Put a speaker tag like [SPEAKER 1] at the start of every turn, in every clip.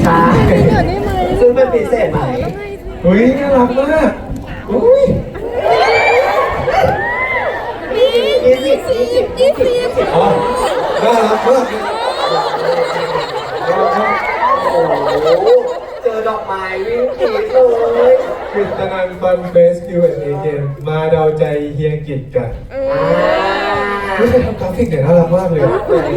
[SPEAKER 1] ใช่ซึ่งเป็นพิเศษไหม
[SPEAKER 2] เฮ้ยน่ารักมากอุ้ยอ๋อน่ารักมาก
[SPEAKER 1] โอ้โหเจอดอกไม้วิ่งผีเลย
[SPEAKER 2] กฤษณันท์ฟันเฟสคิวเอ็นเอเกมมาเดาใจเฮียกิจกันไม่ใช่ทำกราฟิกเนี่ยน่ารักมากเลย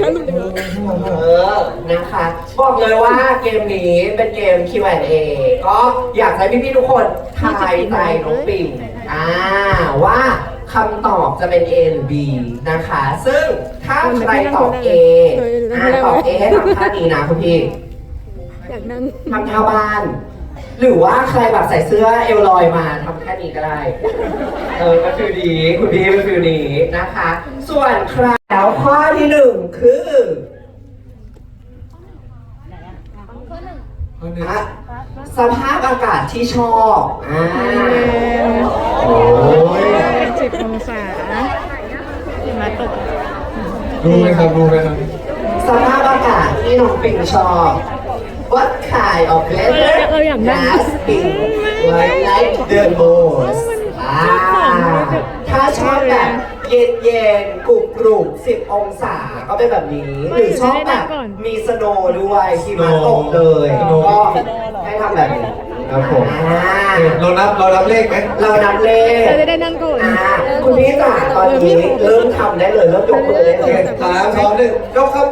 [SPEAKER 1] นะคะบอกเลยว่าเกมนี้เป็นเกม Q&A ก็อยากให้พี่ๆทุกคนทายใจน้องปิ่งว่าคำตอบจะเป็น A หรือ B นะคะ ซึ่งถ้าใครตอบ A ตอบ A ให้ทำท่านี้นะคุณพี่ทำท่าบ้าน หรือว่าใครแบบใส่เสื้อเอวลอยมาทำแค่นี้ก็ได้ก็คือดีคุณพี่เป็นฟิลนี้นะคะ ส่วนใครแล้วข้อที่1คือสภาพอากาศที่ชอบ
[SPEAKER 2] โอ้ย
[SPEAKER 3] 10 องศามาตก
[SPEAKER 2] รู้ไหมครับ
[SPEAKER 1] สภาพอากาศที่น้องปิงชอบ What kind of weather does Pink like the most ถ้าชอบแบบเย็นๆกรุบ10 องศาก็เป็นแบบนี้หรือชอบแบบมีสโนว์ด้วยหิมะตกเลยก็ให้ทำแบบนี้
[SPEAKER 2] ครับผมเรานับเลขไหม
[SPEAKER 1] เรานับเลข
[SPEAKER 3] เราจะได้นั่งก่อน
[SPEAKER 1] คุณพี่จ๋าตอนนี้เริ่มทำได้เลยเริ่มยกมือได้เลย
[SPEAKER 2] 3 2 1ยกครับ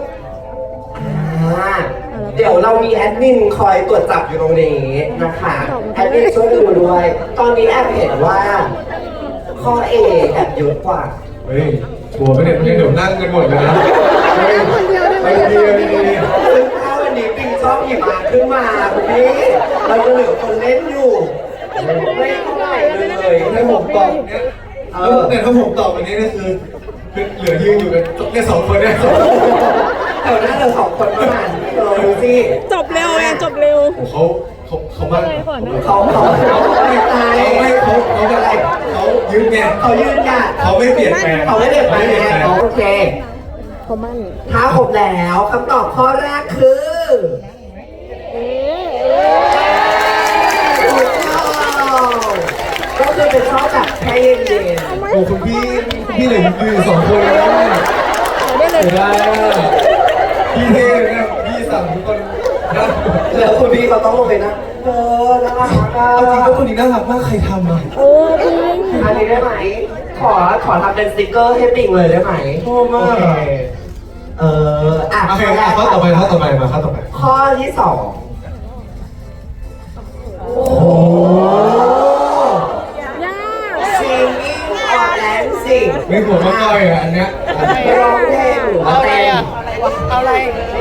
[SPEAKER 1] เดี๋ยวเรามีแอดมินคอยตรวจจับอยู่ตรงนี้นะคะแอดมินช่วยดูด้วยตอนนี้แอบเห็นว่าข้อ A แอบเยอะกว่า
[SPEAKER 2] เฮ้ยกลัวไม่เดี๋ยวนั่งกันหมดเลยนะไม่ดี
[SPEAKER 1] ซึ่งถ้าวันนี้ปิงชอบหยิบมาขึ้นมาคุณพี่เราจะเหลือคนเล่นอยู่ไม่เท่าไหร่เลย
[SPEAKER 2] ถ้าผมตอบเนี้ยแต่ถ้าผมตอบวันนี้ก็คือเหลือยืนอยู่กันแค่2 คนเนี่ย
[SPEAKER 1] แถวหน้าเรา2 คนประมาณดูสิ
[SPEAKER 3] จบเร็วจบเร็ว
[SPEAKER 2] เขาบ้าน
[SPEAKER 1] เขาไม่ตาย
[SPEAKER 2] เขาอะไรเขายืนไง
[SPEAKER 1] เขายืนเนี่ย
[SPEAKER 2] เขาไม่เปลี่ยนแปลง
[SPEAKER 1] เขาไม่เปลี่ยนแปลงโอเค
[SPEAKER 3] เขามั่น
[SPEAKER 1] ถ้าครบแล้วคำตอบข้อแรกคือก็คือเป็นชอบแบบแค่เย็น
[SPEAKER 2] ๆโอ้คุณพี่เหลืออยู่2 คนแล้วได้พี่เท่นะพี่สั่งทุกคนนะ
[SPEAKER 1] แล้วคุณพี่เขาต้องลงไปนะน่ารักมาก
[SPEAKER 2] จริงก็คนนี้น่ารักมากใครทำอ่ะ
[SPEAKER 3] จริง
[SPEAKER 1] อันนี้ได้ไหมขอทำเป็นสติ๊กเกอร์ให้ปิ่งเลยได้ไหม
[SPEAKER 2] ชอบมาก
[SPEAKER 1] โอเค
[SPEAKER 2] ข้อต่อไปมาข้อต่อไป
[SPEAKER 1] ข้อที่2โอ้โหsinging or dancing
[SPEAKER 2] ไม่หัวมาก้อยอ่ะอันเนี้ย
[SPEAKER 1] ร้องเพลงหรือว่าเต้น
[SPEAKER 3] เอาอะไร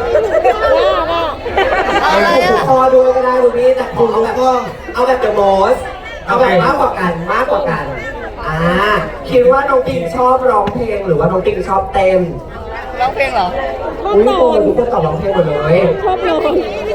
[SPEAKER 1] ถูกคอด้วยก็ได้คุณพี่แต่ขอเอาแบบเอาแบบ the most เอาแบบมากกว่ากันคิดว่าน้องปิงชอบร้องเพลงหรือว่าน้องปิงชอบเต้น
[SPEAKER 3] ร้องเพลงเหรอ
[SPEAKER 1] อุ้ยทุกคนตอบร้องเพลงหมดเลย
[SPEAKER 3] ชอบร้อง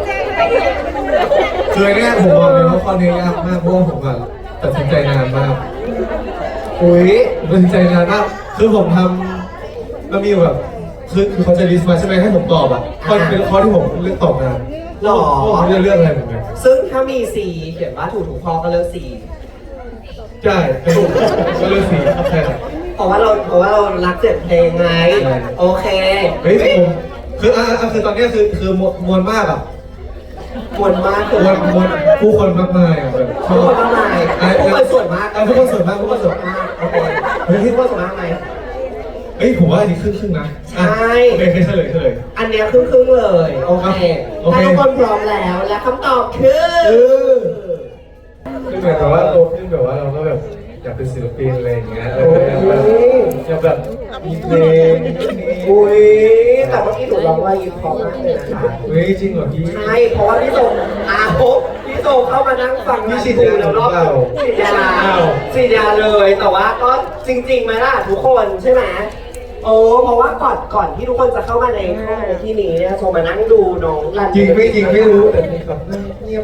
[SPEAKER 2] คือเนี่ยผมบอกเลยว่าข้อนี้ยากมากเพราะว่าผมตัดสินใจนานมากตัดสินใจนานมากคือผมทำแล้วมีแบบคือเขาจะลิสต์มาใช่ไหมให้ผมตอบอ่ะเป็นข้อที่ผมเลือกตอบนาน
[SPEAKER 1] หรอ
[SPEAKER 2] ผมเลือกอะไรเหมือนกัน
[SPEAKER 1] ซึ่งถ้ามี C เขียนว่าถูกข้อก็เลือก C
[SPEAKER 2] ใช่ก็เลือก C ใช่
[SPEAKER 1] เพราะว่าเรารักเสียงเพลงไงโอเค
[SPEAKER 2] เฮ้ยผมคือตอนนี้คือมวลมากอ่ะ
[SPEAKER 1] มวลมากคือ
[SPEAKER 2] ผู้คนมากมายอ่ะแบบ
[SPEAKER 1] ผู้คนมากมายผู้คนส่วนมาก
[SPEAKER 2] ผู้คนส่วนมากโอเค
[SPEAKER 1] เฮ้ยผู้คนส่วนมากไหม
[SPEAKER 2] เฮ้ยผมว่าอันนี้ครึ่งนะ
[SPEAKER 1] ใช่
[SPEAKER 2] เฉลย
[SPEAKER 1] อันนี้ครึ่งเลยโอเคถ้าทุกคนพร้อมแล้วและคำตอบคือ
[SPEAKER 2] เหมือนแบบว่าโตขึ้นแบบว่าเราก็แบบอยากเป็นศิลปินอะไรอย่างเงี้ยอยากแบบมีเพลง
[SPEAKER 1] แต่เมื่อกี้หนูร้องว่ายิ้มพอมากเลยนะคะ
[SPEAKER 2] จริงเหรอพี่
[SPEAKER 1] ใช่เพราะว่าพี่โตเข้ามานั่งฟัง
[SPEAKER 2] พี่ฉีดยา
[SPEAKER 1] แล้วรอบฉีดยาเลยแต่ว่าก็จริงๆไหมล่ะทุกคนใช่ไหมเพราะว่าก่อนที่ทุกคนจะเข้ามาในห้องที่นี้เนี่ยโทรมานั่งดูน้องรัน
[SPEAKER 2] จริงไม่รู้แต่มีแบบเงียบ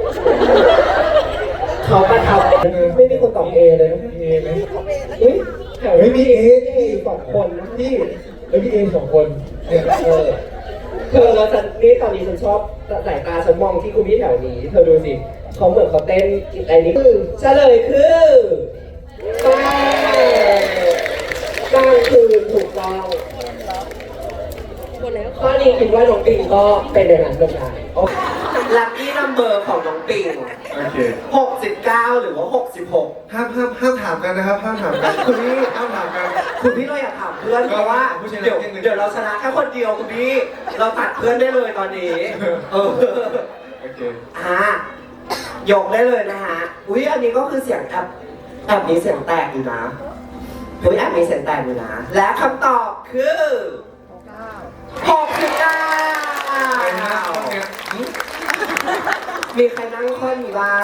[SPEAKER 1] เขาประทับไม่มีคนตอบเอเลยนะเอไหม
[SPEAKER 2] ไม่มีเอ
[SPEAKER 1] 2 คนนะพี่
[SPEAKER 2] ไม่มีเอ2 คนเนี่ย
[SPEAKER 1] เธอแล้วฉันนี่ตอนนี้ฉันชอบสายตาฉันมองที่คุณพี่แถวนี้เธอดูสิเขาเหมือนเขาเต้นไอ้นี้เฉลยคือกลางคืนถูกต้องข้อนี้คิดว่าน้องปิงก็เป็นอย่างนั้นเหมือนกันโอเคลัคกี้นัมเบอร์ของน้องปิง
[SPEAKER 2] โอเค
[SPEAKER 1] 69 หรือว่า 66
[SPEAKER 2] ห้ามถามกันนะครับห้ามถามกันคุณพี่ห้ามถามกัน
[SPEAKER 1] คุณพี่เราอยากถามเพื่อนเพราะว่าเดี๋ยวเราชนะแค่คนเดียวคุณพี่เราตัดเพื่อนได้เลยตอนนี้เออ
[SPEAKER 2] โอเค
[SPEAKER 1] ยกได้เลยนะฮะอุ้ยอันนี้ก็คือเสียงแอบมีเสียงแตกอยู่นะอุ้ยแอบมีเสียงแตกอยู่นะและคำตอบคือ69มีใครนั่งข้อนี้บ้าง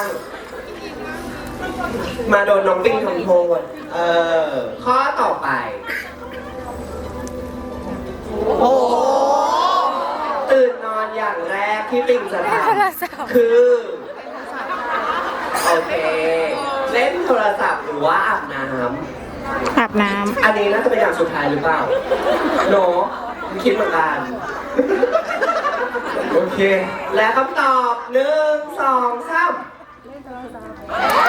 [SPEAKER 1] มาโดนน้องปิงทำโทษข้อต่อไป โอ้ตื่นนอนอย่างแรกที่ปิงจะทำคือ โอเค เล่นโทรศัพท์หรือว่าอาบน้ำ
[SPEAKER 3] อาบน้
[SPEAKER 1] อันนี้น่าจะเป็นอย่างสุดท้ายหรือเปล่าโนคิดเหมือนกัน
[SPEAKER 2] โอเค
[SPEAKER 1] และคำตอบ1 2 3เล่นโทรศัพท์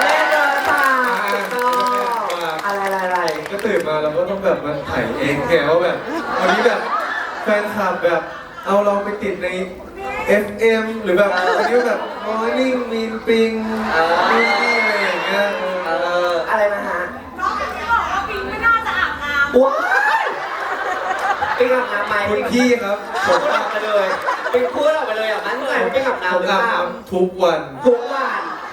[SPEAKER 1] อะไร
[SPEAKER 2] ก็ตื่นมาเราก็ต้องแบบมาถ่ายเองแกว่าแบบวันนี้แบบแฟนคลับแบบเอาเราไปติดใน FM หรือแบบวันนี้แบบ Morning Mean Ping นู่นนี่อะไรอย่างเงี้ย
[SPEAKER 1] อะไรนะฮะ
[SPEAKER 4] น้องจะบอกว่าปิงไม่น่าจะอาบน้ำ
[SPEAKER 1] ว้ายปิงอาบน้ำไหม
[SPEAKER 2] คุณพี่ครับผ
[SPEAKER 1] พู
[SPEAKER 2] ม
[SPEAKER 1] ดออกไปเลยปิงพูดออกไปเลยอ่ะมั่นใจว่าปิงอาบน้ำหรือเป
[SPEAKER 2] อาบ
[SPEAKER 1] ล่า
[SPEAKER 2] น้ำทุกวัน
[SPEAKER 1] ทุกวัน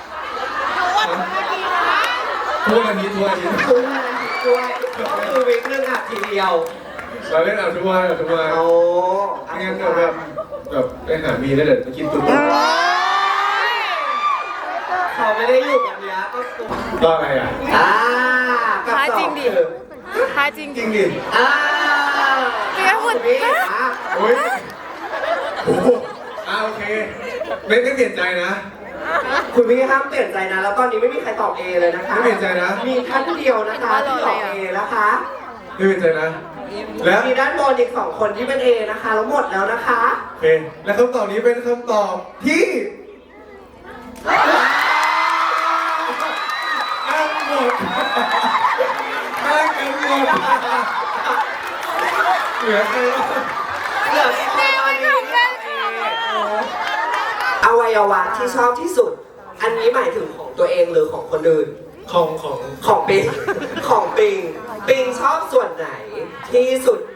[SPEAKER 2] ทุกวันนี้ทุกวันนี้
[SPEAKER 1] ทุกวันด้วยก็คือวิกนึงอาบทีเดียว
[SPEAKER 2] เราเล่นอาบทุกวันทุกวัน
[SPEAKER 1] โอ้
[SPEAKER 2] ไม่งั้นเดี๋ยวแบบไปหามีแล้วเดี๋ยวจะกินตุ๊ก
[SPEAKER 1] เขาไม่ได้อยู่แบบนี้ก็ตัว
[SPEAKER 2] ต่ออะไรอ่ะ
[SPEAKER 1] กับสองคือ
[SPEAKER 3] ำท้าจริง
[SPEAKER 2] จริงดิ
[SPEAKER 3] เดี๋ยวคุณ
[SPEAKER 1] พี่
[SPEAKER 2] โอ้ยโอ้โหโอเคไม่เปลี่ยนใจนะ
[SPEAKER 1] คุณพี่ห้ามเปลี่ยนใจนะ แล้วตอนนี้ไม่มีใครตอบ A เลยนะคะ
[SPEAKER 2] ไม่เปลี่ยนใจนะ
[SPEAKER 1] มีท่านเดียวนะคะที่ตอบ A นะคะ
[SPEAKER 2] ไม่เปลี่ยนใจนะ แล้ว
[SPEAKER 1] มีด้านบนอีก2 คนที่เป็น A นะคะแล้วหมดแล้วนะคะ
[SPEAKER 2] โอเคและคำตอบนี้เป็นคำตอบที่อ้างหมดอ้างกันหมดเหลือใครวะ
[SPEAKER 1] เหลือตอนนี้อวัยวะที่ชอบที่สุด อันนี้หมายถึงของตัวเองหรือของคนอื่น ของปิง ของปิง ปิงชอบส่วนไหนที่สุด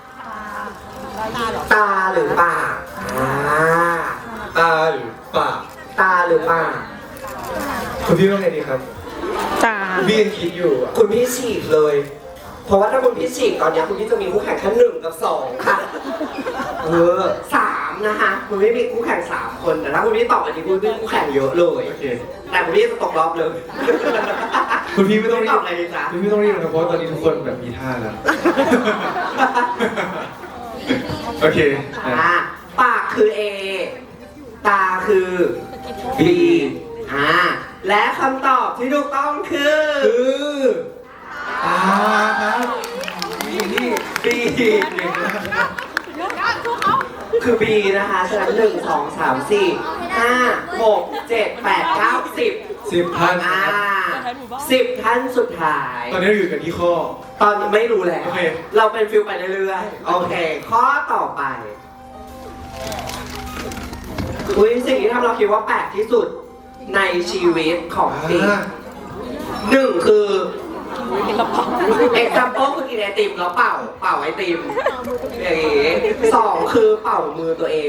[SPEAKER 1] ตาหรือปาก
[SPEAKER 2] ตาหรือปาก
[SPEAKER 1] ตาหรือปาก
[SPEAKER 2] คุณพี่ว่าไงดีครับ
[SPEAKER 3] ตา
[SPEAKER 2] คุณพี่ยังคิดอยู่อ่ะ
[SPEAKER 1] คุณพี่ฉีกเลย เพราะว่าถ้าคุณพี่ฉีกตอนนี้คุณพี่จะมีคู่แข่งแค่1 กับ 2 ค่ะ 3 นะคะคุณพี่มีคู่แข่ง3 คนแต่ถ้าคุณพี่ตอบอันนี้คุณพี่คู่แข่งเยอะเลย
[SPEAKER 2] โอเค
[SPEAKER 1] แต่คุณพี่จะตกรอบเลย
[SPEAKER 2] คุณพี่ไม่ต้องรี
[SPEAKER 1] ตอบบ อะไรดีจ๊ะ
[SPEAKER 2] คุณพี่ไม่ต้องรีบนะครับเพราะว่าตอนนี้ทุกคนแบบมีท่าแล้ว โอเคอ่ะ
[SPEAKER 1] ปากคือ A ตาคือ B และคำตอบที่ถูกต้องคือ
[SPEAKER 2] ครับ
[SPEAKER 1] B คือ B นะคะฉะนั้น1 2 3 4 5 6 7 8 9 10
[SPEAKER 2] 10 ท่านครับ
[SPEAKER 1] 10 ท่านสุดท้าย
[SPEAKER 2] ตอนนี้เราอยู่กันที่ข้อ
[SPEAKER 1] ตอนนี้ไม่รู้แล้ว
[SPEAKER 2] โอเค
[SPEAKER 1] เราเป็นฟิลไปเรื่อยๆ โอเค ข้อต่อไป อุ้ยสิ่งที่ทำเราคิดว่าแปลกที่สุดในชีวิตของปิง1 คือ example คือกินไอติมแล้วเป่าไอติมอย่างงี้2 คือเป่ามือตัวเอง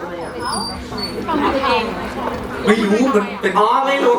[SPEAKER 2] ไม่รู้มันเป็น
[SPEAKER 1] อ๋อไม่รู้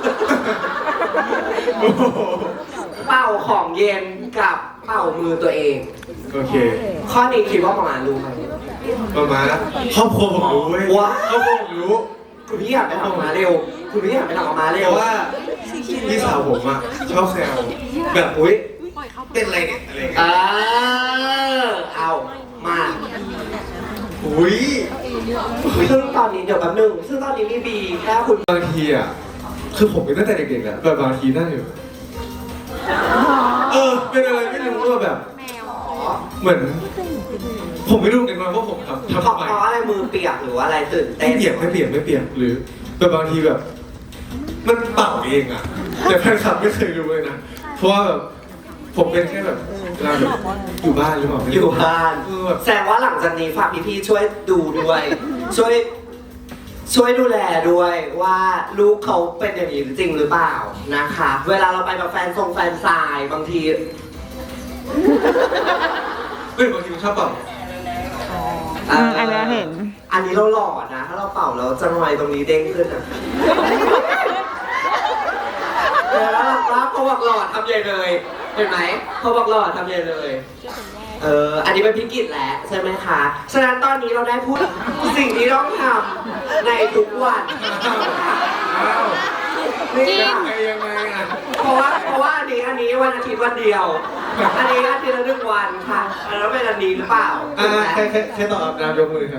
[SPEAKER 2] โอ้โห
[SPEAKER 1] เป่าของเย็นกับเป่ามือตัวเอง
[SPEAKER 2] โอเค
[SPEAKER 1] ข้อนี้คิดว่าประมาณรู้ไหม
[SPEAKER 2] ประมาณครอบครัวผมรู้เว้ย
[SPEAKER 1] ว้าว
[SPEAKER 2] ครอบครัวผมรู้
[SPEAKER 1] คุณพี่อยากไปทำออกมาเร็ว คุณพี่อยากไปทำออกมาเร็
[SPEAKER 2] เพ
[SPEAKER 1] ว
[SPEAKER 2] ราะว่าพี่สาวผมอ่ะชอบแซวแบบอุ้ยเป็นอะไรเนี่ยอะไรเงี้ย
[SPEAKER 1] เอามา
[SPEAKER 2] อุ้ย
[SPEAKER 1] ซึ่งตอนนี้เดี๋ยวแป๊บนึงซึ่งตอนนี้มีบีแค่คุณ
[SPEAKER 2] บางทีอ่ะคือผมเป็นตั้งแต่เด็กๆแหละแบบบางทีนั่งอยู่เป็นอะไรไม่รู้ว่าแบบเหมือน ผมไม่รู้เหมือนกันว่าผมทำ
[SPEAKER 1] เพราะ
[SPEAKER 2] ทำไม
[SPEAKER 1] อะไรมือเปียกหรือว่าอะไรตื่นเต้
[SPEAKER 2] ไม่
[SPEAKER 1] น
[SPEAKER 2] เปียกหรือแบบบางทีแบบ มันเป่าเองอ่ะแต่แฟนคลับไม่เคยรู้เลยนะเพราะว่าแบบผมเป็นแค่แบบเวลาแบบอยู่บ้านหรือเปล่า
[SPEAKER 1] อยู่บ้าน
[SPEAKER 2] แบบ
[SPEAKER 1] แสดงว่าหลังจากนี้ฝากพี่ๆช่วยดูด้วย ช่วยดูแลด้วยว่าลูกเขาเป็นอย่างนี้จริงหรือเปล่านะคะ เวลาเราไปแบบแฟนซายบางที
[SPEAKER 2] ไม่บางทีมันชอบเป่า
[SPEAKER 3] อันนี้เห็น
[SPEAKER 1] อันนี้เราหล่อนะ ถ้าเราเป่าแล้วจะหน่อยตรงนี้เด้งขึ้นอ่ะแล้วว่าพอบอกหล่อทำใหญ่เลย เห็นไหมพอบอกหล่อทำใหญ่เลย อันนี้เป็นพิกิจแหละใช่ไหมคะ ฉะนั้นตอนนี้เราได้พูดสิ่งที่ต้องทำในทุกวัน
[SPEAKER 2] อ้าว
[SPEAKER 1] นี่ค่ะ
[SPEAKER 2] ยังไงอ่ะ
[SPEAKER 1] เพราะว่าอันนี้วันอาทิตย์วันเดียว อันนี้อาทิตย์ละ1 วันค่ะแล้วเป็นอันนี้หรือเปล่า
[SPEAKER 2] แค่ตอบอาบน้ำยกมือครับ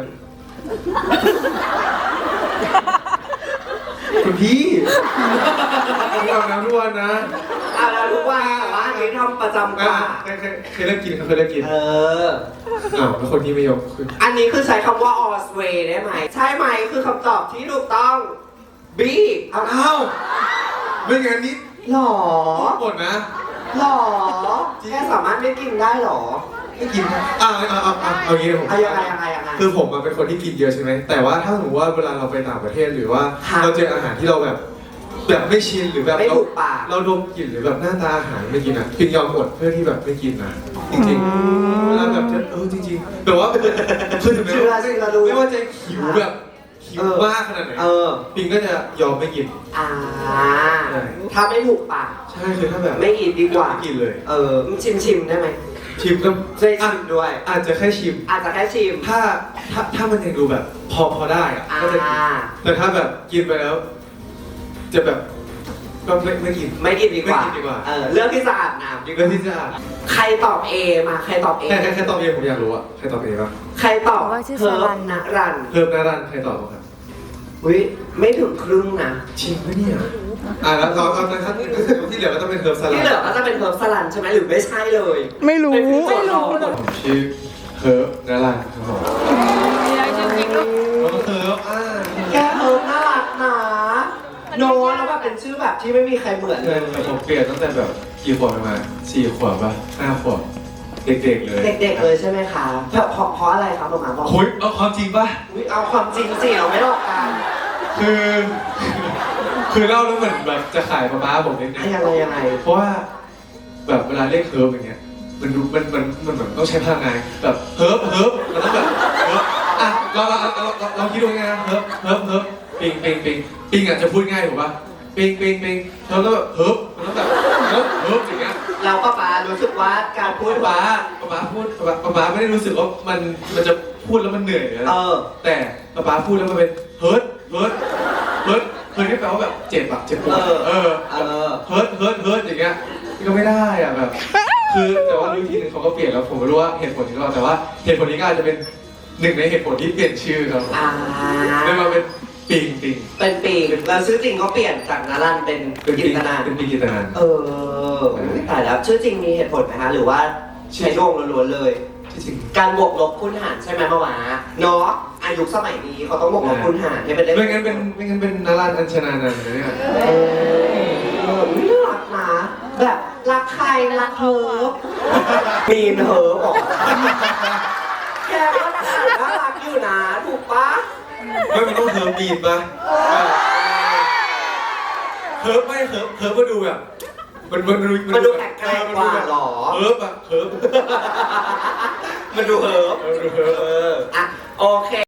[SPEAKER 2] คุณพี่ผมอาบน้ำทุกวันนะ
[SPEAKER 1] อาบน้ำทุกวันแต่ว่าอันนี้ทำประจำกว่า
[SPEAKER 2] เคยเลิกกินครับเคยเลิกกิน อ้าวแล้วคนที่ไม่ยกคือ
[SPEAKER 1] อันนี้คือใช้คำว่า always ได้ไหม ใช่ไหมคือคำตอบที่ถูกต้อง B เอา
[SPEAKER 2] อ้าวไม่งั้นนี่
[SPEAKER 1] หรอ
[SPEAKER 2] หมดนะ
[SPEAKER 1] หรอแค่สามารถไม่กินได้หรอ
[SPEAKER 2] ไม่กินนะเอางี้นะผม
[SPEAKER 1] ยังไง
[SPEAKER 2] คือผมเป็นคนที่กินเยอะใช่ไหมแต่ว่าถ้าสมมติว่าเวลาเราไปต่างประเทศหรือว่า
[SPEAKER 1] ค่ะ
[SPEAKER 2] เราเจออาหารที่เราแบบไม่ชินหรือแบบ
[SPEAKER 1] ไม่ถูกปาก
[SPEAKER 2] เราดมกลิ่นหรือแบบหน้าตาอาหารไม่กินอ่ะพิงยอมอดเพื่อที่แบบไม่กินนะจริงๆเวลาแบบจะจริงๆแต่ว่าคือถึงแม้ว่า
[SPEAKER 1] เชื่อรู้
[SPEAKER 2] ไม่ว่าจะหิวแบบหิวมากขนาดไหนปิงก็จะยอมไม่กิน
[SPEAKER 1] ถ้าไม่ถูกปาก
[SPEAKER 2] ใช่คือถ้าแบบ
[SPEAKER 1] ไม่กินดีกว่า
[SPEAKER 2] ไม่กินเลย
[SPEAKER 1] ชิมได้ไหม
[SPEAKER 2] ชิมก็
[SPEAKER 1] ได้ชิมด้วย
[SPEAKER 2] อาจจะแค่ชิม
[SPEAKER 1] อาจจะแค่ชิม
[SPEAKER 2] ถ้ามันยังดูแบบพอได้อะก็จะกินแต่ถ้าแบบกินไปแล้ว จะแบบก็ไม่กิน
[SPEAKER 1] ไม่กินดีกว่า
[SPEAKER 2] ไม่กินดีกว่า
[SPEAKER 1] เรื่องที่สะอาดน้ำดีก
[SPEAKER 2] เรื่อ
[SPEAKER 1] ว่าง
[SPEAKER 2] ที่จะ
[SPEAKER 1] ใครตอบ A มาใครตอบ A
[SPEAKER 2] แค่ตอบเองผมอยากรู้อะใครตอบเองบ้าง
[SPEAKER 1] ใครตอบ
[SPEAKER 3] ว่าชื่อ
[SPEAKER 1] เพิร์
[SPEAKER 3] สลั
[SPEAKER 1] ฟ
[SPEAKER 3] น
[SPEAKER 1] นะรัน
[SPEAKER 2] เพิ่มหน้าด้านใครตอบบ้างครับ
[SPEAKER 1] อุ้ยไม่ถึงครึ่งนะ
[SPEAKER 2] ชิมไหมเนี่ยแล้วเอานะครับที่เหลือก็ต้องเป็นเพิ่มสลั
[SPEAKER 1] ที่
[SPEAKER 2] ด
[SPEAKER 1] เหลือก็จะเป็นเพิร์ฟสลันใช่ไหมหรือไม่ใช่เลย
[SPEAKER 3] ไม่รู้
[SPEAKER 2] ผมชื่อเพิ่มหน้าด้านครับผมแล้วก็เพิ่ม
[SPEAKER 1] แค่เพิร์ฟน่ารักนะโน้ตแล้วแบบเป็นชื่อแบบที่ไม่มีใครเหมือนเลย
[SPEAKER 2] แต่ผมเปลี่ยนตั้งแต่แบบกี่ขวบประมาณ4 ขวบป่ะ5 ขวบเด็กๆเลย
[SPEAKER 1] เด็กๆเลยใช่ไหมคะเพราะอะไรครับผมบอก
[SPEAKER 2] คุยเอาความจริงป่ะ
[SPEAKER 1] อุ๊ยเอาความจริงสิเราไม่หลอกกัน
[SPEAKER 2] คือเล่าแล้วเหมือนแบบจะขายปลาบ้าผมนิดนึง
[SPEAKER 1] ยังไง
[SPEAKER 2] เพราะว่าแบบเวลาเรียกเฮิร์บอย่างเงี้ยมันดูมันเหมือนต้องใช้พลังงานแบบเฮิร์บมันต้องแบบเฮิร์บอ่ะเราคิดดูไงนะเฮิร์บปิงอ่ะจะพูดง่ายถูกป่ะปิงแล้วก็แบบเฮิร์บมันต้องแบบเฮิร์บอย่างเงี้ย
[SPEAKER 1] เราป้ารู้สึกว่าการพูด
[SPEAKER 2] ป้าไม่ได้รู้สึกว่ามันจะพูดแล้วมันเหนื่อยเลยนะแต่ป้าพูดแล้วมันเป็นเฮิร์บที่แปลว่าแบบเจ็บปวดเฮิร์บอย่างเงี้ยก็ไม่ได้อ่ะแบบคือแต่ว่ารู้ทีนึงเขาก็เปลี่ยนแล้วผมไม่รู้ว่าเหตุผลนี้หรือเปล่าแต่ว่าเหตุผลนี้ก็อาจจะเป็นหนึ่งในเหตุผลที่เปลี่ยนชื่อครับเลยมาเป็นปิง
[SPEAKER 1] เป็นปีกแล้วชื่อจริงเขาเปลี่ยนจากนารันเป็นกิตนา
[SPEAKER 2] เป็นปิงกิตนาน
[SPEAKER 1] แต่แล้วชื่อจริงมีเหตุผลไหมคะหรือว่าใช้ดวงล้วนๆเลย
[SPEAKER 2] ที่จริง
[SPEAKER 1] การบวกลบคูณหารใช่ไหมมาหวาเนาะอายุสมัยนี้เขาต้องบวกลบคูณหารให้เป็นเลข
[SPEAKER 2] ไม่งั้นเป็นนารันอัญชนานันท์นะเนี่ย
[SPEAKER 1] น่ารักนะแบบรักใครรักเฮิร์ฟมีนเฮิร์ฟบอกแกก็น่ารักอยู่นะถูกปะ
[SPEAKER 2] ไม่มันต้องเฮิร์บบีดป่ะเฮิร์บก็ดูแบบมัน
[SPEAKER 1] ดูแปลกๆกว่าหรอ
[SPEAKER 2] เฮิร์บ
[SPEAKER 1] มันดูเฮิร์ฟอ่ะโอเค